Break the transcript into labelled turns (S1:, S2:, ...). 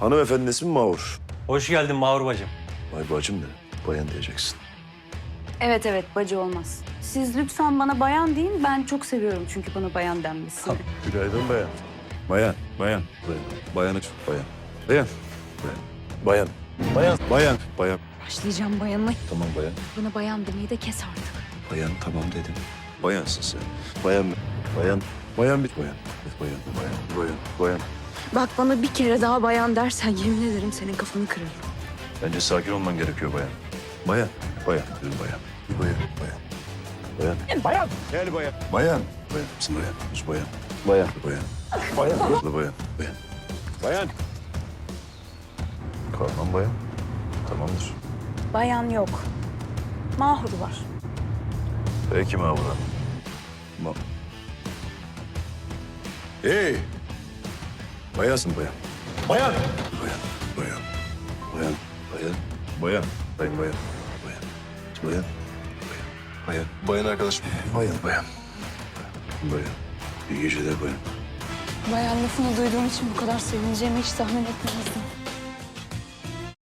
S1: Hanımefendinin ismi Mahur.
S2: Hoş geldin Mahur bacım.
S1: Vay bacım ne? Bayan diyeceksin.
S3: Evet evet bacı olmaz. Siz lütfen bana bayan deyin. Ben çok seviyorum çünkü bana bayan denmesini.
S1: Günaydın bayan. Bayan. Bayan. Bayan. Bayan. Bayan. Bayan. Bayan. Bayan. Bayan.
S3: Başlayacağım bayanla.
S1: Tamam bayan.
S3: Bana bayan demeyi de kes artık.
S1: Bayan tamam dedim. Bayansın sen. Bayan mı? Bayan. Bayan bir bayan. Bayan. Bayan. Bayan. Bayan.
S3: Bak bana bir kere daha bayan dersen yemin ederim senin kafanı kırarım.
S1: Bence sakin olman gerekiyor bayan. Bayan. Bayan. Dedim bayan. Bayan. Bayan. Bayan. Bayan. Gel bayan. Bayan. Bayan. Misin bayan? Sus bayan. Bayan. Bayan. Bayan. Bayan. Bayan. Bayan. Kalmam bayan. Tamamdır.
S3: Bayan yok. Mahur var.
S1: Peki Mahmut'a. Hey! Bayansın bayan. Bayan! Bayan, bayan, bayan, bayan, bayan, bayan, bayan, bayan, bayan, bayan, bayan arkadaşım. Bayan, bayan, bayan. İyi geceler bayan.
S3: Bayan lafını duyduğum için bu kadar sevineceğimi hiç tahmin etmezdim.